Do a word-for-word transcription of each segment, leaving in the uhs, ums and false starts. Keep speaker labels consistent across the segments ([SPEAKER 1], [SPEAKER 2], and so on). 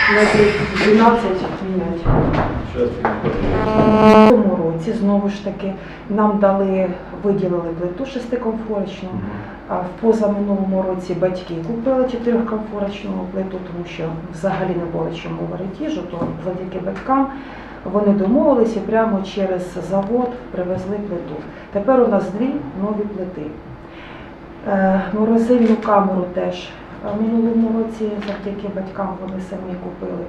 [SPEAKER 1] метрів дванадцять міняти. В цьому році, знову ж таки, нам дали, виділили плиту шестикомфорочну. В позаминулому році батьки купили чотирикомфорочну плиту, тому що взагалі не було чому варити їжу, то завдяки батькам вони домовилися і прямо через завод привезли плиту. Тепер у нас дві нові плити. Морозильну камеру теж в минулому році завдяки батькам вони самі купили.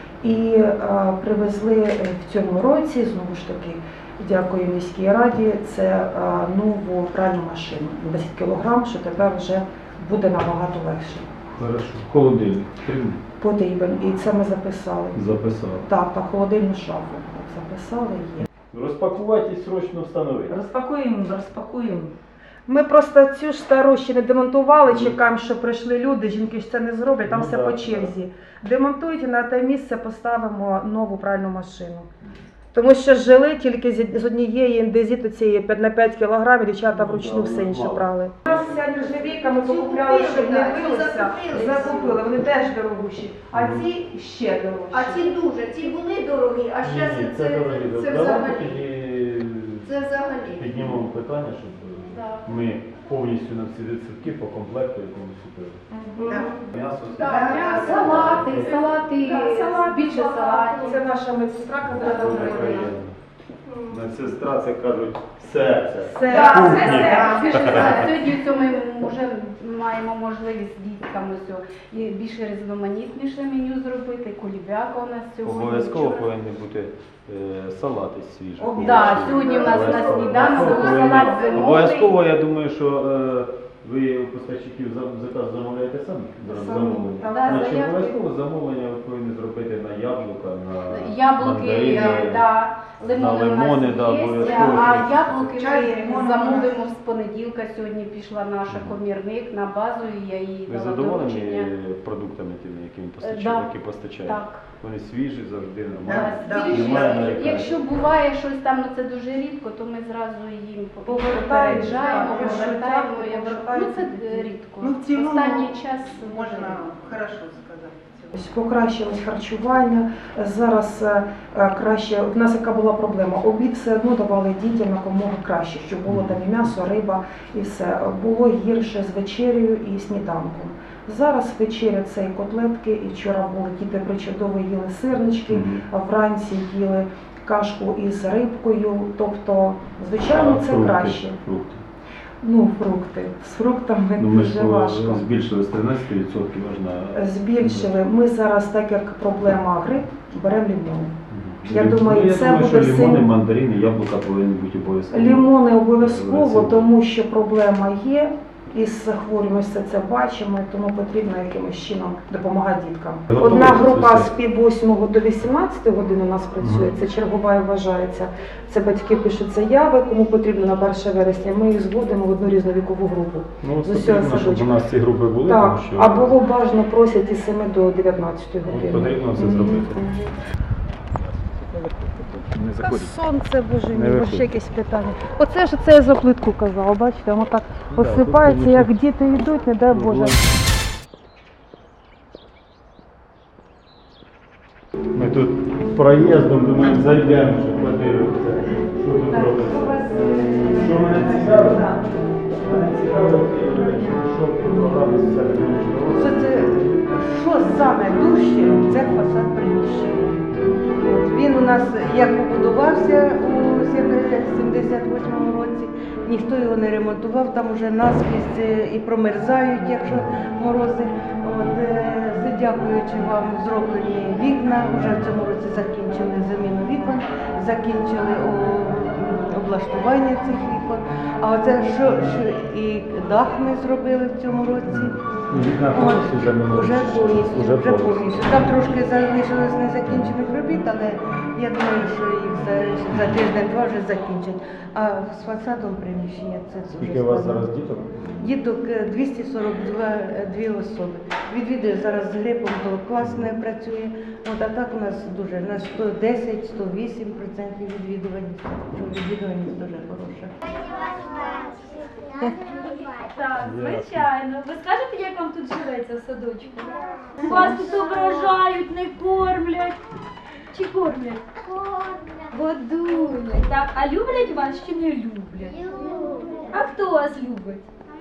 [SPEAKER 1] І а, привезли в цьому році, знову ж таки, дякую міській раді, це а, нову пральну машину, десять кілограм, що тепер вже буде набагато легше.
[SPEAKER 2] Хорошо. Холодильник потрібен?
[SPEAKER 1] Потрібен. І це ми записали.
[SPEAKER 2] Записали.
[SPEAKER 1] Так, так, холодильну шафу записали, є.
[SPEAKER 2] Розпакувати і срочно встановити.
[SPEAKER 3] Розпакуємо, розпакуємо.
[SPEAKER 1] Ми просто цю ж стару ще не демонтували, чекаємо, що прийшли люди, жінки ж це не зроблять, там
[SPEAKER 2] Ну,
[SPEAKER 1] все
[SPEAKER 2] так,
[SPEAKER 1] по черзі. Демонтують і на те місце поставимо нову пральну машину. Тому що жили тільки з однієї індезіту цієї на п'ять кілограмів, дівчата вручну все інше брали. У нас вся нержавійка, ми покупляли, щоб не билося, закупили, вони теж дорогущі, а ці ще дорожчі.
[SPEAKER 4] А ці дуже, ці були дорогі, а зараз
[SPEAKER 2] Ні,
[SPEAKER 4] це,
[SPEAKER 2] це,
[SPEAKER 4] це,
[SPEAKER 2] дорогі.
[SPEAKER 4] це
[SPEAKER 2] Давайте
[SPEAKER 4] взагалі.
[SPEAKER 2] тоді
[SPEAKER 4] Це взагалі.
[SPEAKER 2] піднімемо питання, щоб
[SPEAKER 4] Да.
[SPEAKER 2] ми повністю на всі відсотки по комплекту якомусь купили.
[SPEAKER 4] Да.
[SPEAKER 2] М'ясо.
[SPEAKER 4] Так, салати, салати,
[SPEAKER 1] Так, салат,
[SPEAKER 4] більше салатів.
[SPEAKER 1] Це наша медсестра, яка
[SPEAKER 2] Дуже
[SPEAKER 1] робила.
[SPEAKER 2] приємно. Медсестра, це кажуть, серце.
[SPEAKER 1] Це
[SPEAKER 4] Так,
[SPEAKER 2] Кухні.
[SPEAKER 4] це все. Більше салатів. Сьогодні цьому ми вже маємо можливість з дітками все. І більше різноманітніше меню зробити. Кулібяка у нас сьогодні.
[SPEAKER 2] Обов'язково повинні бути е, салати свіжі.
[SPEAKER 4] Так, сьогодні у нас на сніданку салат зимовий.
[SPEAKER 2] Обов'язково, я думаю, що е, ви у поставщиків за- заказ замовляєте самі? Замовлення.
[SPEAKER 1] Так.
[SPEAKER 4] Да,
[SPEAKER 2] Значить,
[SPEAKER 4] заявки.
[SPEAKER 2] обов'язково замовлення ви повинні зробити на яблука, на
[SPEAKER 4] Яблуки,
[SPEAKER 2] мандарини.
[SPEAKER 4] да, лимони,
[SPEAKER 2] На лимони,
[SPEAKER 4] у
[SPEAKER 2] да,
[SPEAKER 4] нас є,
[SPEAKER 2] обов'язково.
[SPEAKER 4] а яблуки
[SPEAKER 1] Чай з
[SPEAKER 4] ми
[SPEAKER 1] лимоном
[SPEAKER 4] замовимо з понеділка. Сьогодні пішла наша комірник на базу, і я їй
[SPEAKER 2] Ви
[SPEAKER 4] дала
[SPEAKER 2] задоволені
[SPEAKER 4] доручення.
[SPEAKER 2] продуктами тими, які він
[SPEAKER 4] Е,
[SPEAKER 2] постачає?
[SPEAKER 4] да.
[SPEAKER 2] Які постачає?
[SPEAKER 4] Так.
[SPEAKER 2] Вони свіжі, завжди
[SPEAKER 4] Да,
[SPEAKER 2] нормально.
[SPEAKER 4] свіжі.
[SPEAKER 2] Немає нарікань.
[SPEAKER 4] Якщо буває щось там, ну це дуже рідко, то ми зразу їм
[SPEAKER 1] Повертаємо,
[SPEAKER 4] попереджаємо,
[SPEAKER 1] так,
[SPEAKER 4] повертаємо.
[SPEAKER 1] повертаємо,
[SPEAKER 4] Якщо ну
[SPEAKER 1] повертаємо.
[SPEAKER 4] це е, рідко.
[SPEAKER 3] Ну, в цілому
[SPEAKER 4] Останній час
[SPEAKER 3] Можна хорошо сказати.
[SPEAKER 1] Ось покращилось харчування. Зараз е, е, краще, в нас яка була проблема, обід все одно давали дітям якомога краще, щоб було там і м'ясо, риба і все. Було гірше з вечерею і сніданком. Зараз вечеря це і котлетки, і вчора були діти причудово їли сирнички,
[SPEAKER 2] Мгм.
[SPEAKER 1] а вранці їли кашку із рибкою, тобто, звичайно,
[SPEAKER 2] А
[SPEAKER 1] це
[SPEAKER 2] фрукти?
[SPEAKER 1] краще.
[SPEAKER 2] Фрукти.
[SPEAKER 1] Ну, фрукти. З фруктами
[SPEAKER 2] Ну, ми
[SPEAKER 1] дуже
[SPEAKER 2] ж
[SPEAKER 1] важко.
[SPEAKER 2] збільшили з тринадцяти відсотків аж на...
[SPEAKER 1] Збільшили. Ми зараз, так як проблема грип, беремо лимони. Я
[SPEAKER 2] Лім-
[SPEAKER 1] думаю,
[SPEAKER 2] ну, я
[SPEAKER 1] це
[SPEAKER 2] думаю,
[SPEAKER 1] буде
[SPEAKER 2] що лимони,
[SPEAKER 1] сильно.
[SPEAKER 2] мандарини, яблука повинні бути обов'язково.
[SPEAKER 1] Лимони обов'язково,
[SPEAKER 2] Рецепт.
[SPEAKER 1] тому що проблема є. Із захворюваністю це бачимо, тому потрібно якимось чином допомагати діткам.
[SPEAKER 2] Готові
[SPEAKER 1] Одна група
[SPEAKER 2] це
[SPEAKER 1] з пів восьмого до вісімнадцятої години у нас працює, це чергова і вважається. Це батьки пишуть заяви, кому потрібно на перше вересня. Ми їх зводимо в одну різну вікову групу.
[SPEAKER 2] Ну,
[SPEAKER 1] з
[SPEAKER 2] от
[SPEAKER 1] усього
[SPEAKER 2] потрібно, щоб у
[SPEAKER 1] садочка.
[SPEAKER 2] нас ці групи були,
[SPEAKER 1] Так,
[SPEAKER 2] тому що...
[SPEAKER 1] а було бажано просять із семи до дев'ятнадцятої
[SPEAKER 2] От
[SPEAKER 1] години.
[SPEAKER 2] потрібно це
[SPEAKER 1] Мгм.
[SPEAKER 2] зробити. Не
[SPEAKER 1] Та
[SPEAKER 2] заходять.
[SPEAKER 1] сонце, боже
[SPEAKER 2] Не
[SPEAKER 1] мій,
[SPEAKER 2] виходить.
[SPEAKER 1] ще якесь питання. Оце ж це я за плитку казала, бачите, воно так
[SPEAKER 2] Да,
[SPEAKER 1] посипається,
[SPEAKER 2] тут
[SPEAKER 1] як
[SPEAKER 2] нічого.
[SPEAKER 1] діти йдуть, не дай Боже.
[SPEAKER 2] Ми тут проїздом, думаємо, зайдемо, щоб подивитися, що тут робиться. Що мене цікавить? Мене цікавить, що програма соціальної
[SPEAKER 3] Що це, що саме дужче, це фасад приміщення. От він у нас як побудувався у сімдесят восьмому році, ніхто його не ремонтував, там вже наскрізь е, і промерзають, якщо морози. От, е, дякуючи вам, зроблені вікна, вже в цьому році закінчили заміну вікон, закінчили о, облаштування цих вікон. А оце що, що і дах ми зробили в цьому році.
[SPEAKER 2] Вікна
[SPEAKER 3] От,
[SPEAKER 2] повністю замінили?
[SPEAKER 3] Уже повністю,
[SPEAKER 2] Уже
[SPEAKER 3] вже
[SPEAKER 2] повністю.
[SPEAKER 3] повністю. Там трошки залишилось незакінчених робіт, але я думаю, що їх за, за тиждень-два вже закінчать. А з фасадом приміщення це дуже
[SPEAKER 2] Скільки у вас
[SPEAKER 3] складно.
[SPEAKER 2] зараз діток?
[SPEAKER 3] Діток е, двісті сорок дві особи. Відвідує зараз з грипом, то клас не працює. От, а так у нас дуже, на сто десять - сто вісім відсотків відвідуваність. Що відвідуваність дуже хороша.
[SPEAKER 5] Так,
[SPEAKER 2] Дякую.
[SPEAKER 5] звичайно. Ви скажете, як вам тут живеться в садочку? Вас тут ображають, не кормлять. Чи кормлять? Годують. Так, а люблять вас чи не люблять? А хто вас любить?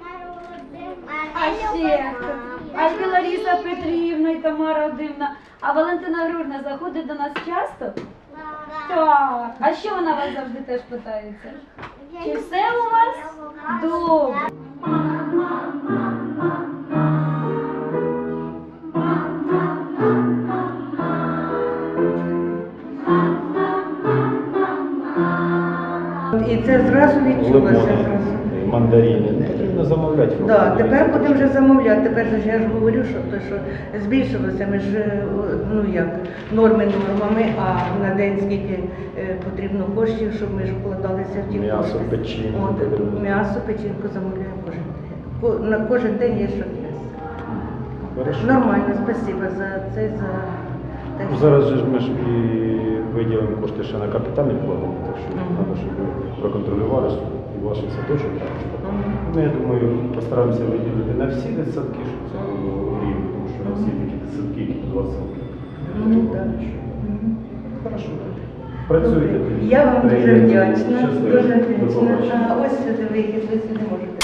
[SPEAKER 5] А ще хто? А і Лариса Петрівна, і Тамара Одивна. А Валентина Григорівна заходить до нас часто? Так. А що вона вас завжди теж питається? Чи все у вас добре?
[SPEAKER 3] І це зразу відчулося.
[SPEAKER 2] Лимони,
[SPEAKER 3] Зразу.
[SPEAKER 2] і мандарини. Не потрібно замовляти.
[SPEAKER 3] Да, тепер будемо вже замовляти. Тепер же ж я ж говорю, що то, що збільшилося, ми ж е, ну як норми нормами, а на день скільки е, потрібно коштів, щоб ми ж вкладалися в ті
[SPEAKER 2] М'ясо,
[SPEAKER 3] кошти.
[SPEAKER 2] печінку
[SPEAKER 3] От,
[SPEAKER 2] потрібно.
[SPEAKER 3] м'ясо, печінку замовляємо кожен день. Ко- На кожен день є що їсти.
[SPEAKER 2] Хорошо.
[SPEAKER 3] Нормально, спасибо за це, за те,
[SPEAKER 2] Ну,
[SPEAKER 3] що-
[SPEAKER 2] зараз же ж ми ж і виділимо кошти ще на капітальні вкладення, так що
[SPEAKER 3] Мгм.
[SPEAKER 2] треба, щоб ви проконтролювали, щоб і ваш садочок.
[SPEAKER 3] Мгм.
[SPEAKER 2] Ну, я думаю, постараємося виділити на всі дитсадки, щоб це було рівно, тому що на всі такі дитсадки, які по двадцять років.
[SPEAKER 3] Ну, так. Мгм.
[SPEAKER 2] Хорошо. Працюйте.
[SPEAKER 3] Я вам дуже
[SPEAKER 2] Приємно.
[SPEAKER 3] вдячна.
[SPEAKER 2] Щасливо.
[SPEAKER 3] Дуже
[SPEAKER 2] До
[SPEAKER 3] вдячна.
[SPEAKER 2] побачення.
[SPEAKER 3] А ось сюди вихід, ви сюди можете.